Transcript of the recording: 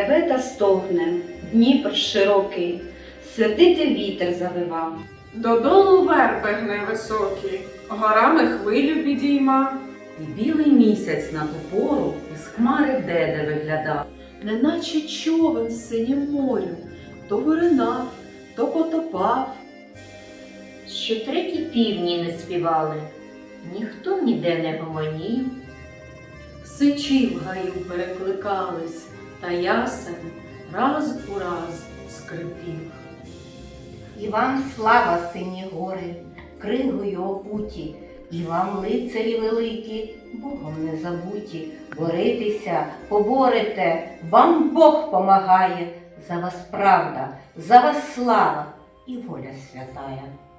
реве та стогне, Дніпр широкий, сердитий вітер завива. Додолу верби гне високі, горами хвилю підійма. І білий місяць на ту пору із хмари деде виглядав. Неначе човен в синім морю, то виринав, то потопав. Ще треті півні не співали, ніхто ніде не гомонів. Сичі в гаю перекликались, та ясен раз у раз скрипів. І вам слава, сині гори, кригою опуті, і вам, лицарі великі, Богом не забуті. Боритеся, поборете, вам Бог помагає, за вас правда, за вас слава і воля святая.